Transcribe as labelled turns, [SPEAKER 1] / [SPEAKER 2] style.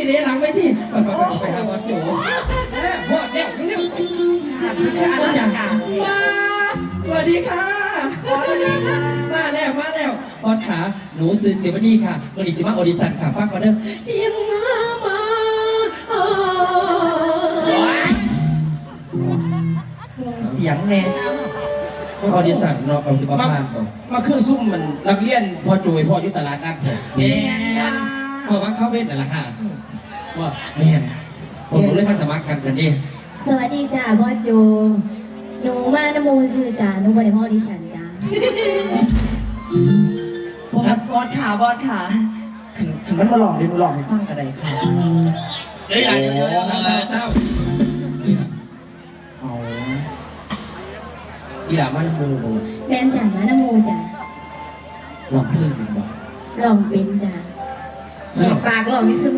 [SPEAKER 1] เดี๋ยวหลังไปที่ไปหาบอลโจ้พอดเร็วเร็วอะไรอย่างเงี้ยสวัสดีค่ะมาแล้วบอลขาหนูซื้อเสียวันนี้ค่ะวันนี้สิมาออดิชั่นค่ะฟังก่อนเด้อเสียงมาเสียงแน่ออดิชั่นเนาะกับสิบประมาณมาเครื่องซุ่มมันนักเรียนพอจุยพอยุตลาดนัดเถอะเนี่ยพอวังเข้าเวทแต่ละค่ะว่าแม่ผมเลยมาสมัครกันดิ
[SPEAKER 2] สวัสดีจ้าบอสโจหนูมานโมซื่อจ้าหนูบอดี้มอดิฉันจ้า
[SPEAKER 3] บอสขาถึงมันมาหลอกเดี๋ยวหนูหลอกให้ฟังกันได้ค่ะ
[SPEAKER 1] เฮ้ยอะไรเศร้าเอาอีหล่ามันโม
[SPEAKER 2] แม่นจ้ามานโมจ้า
[SPEAKER 1] ลองเพลงดูบ่
[SPEAKER 2] ลองเป็นจ้าแหกปากลองนิส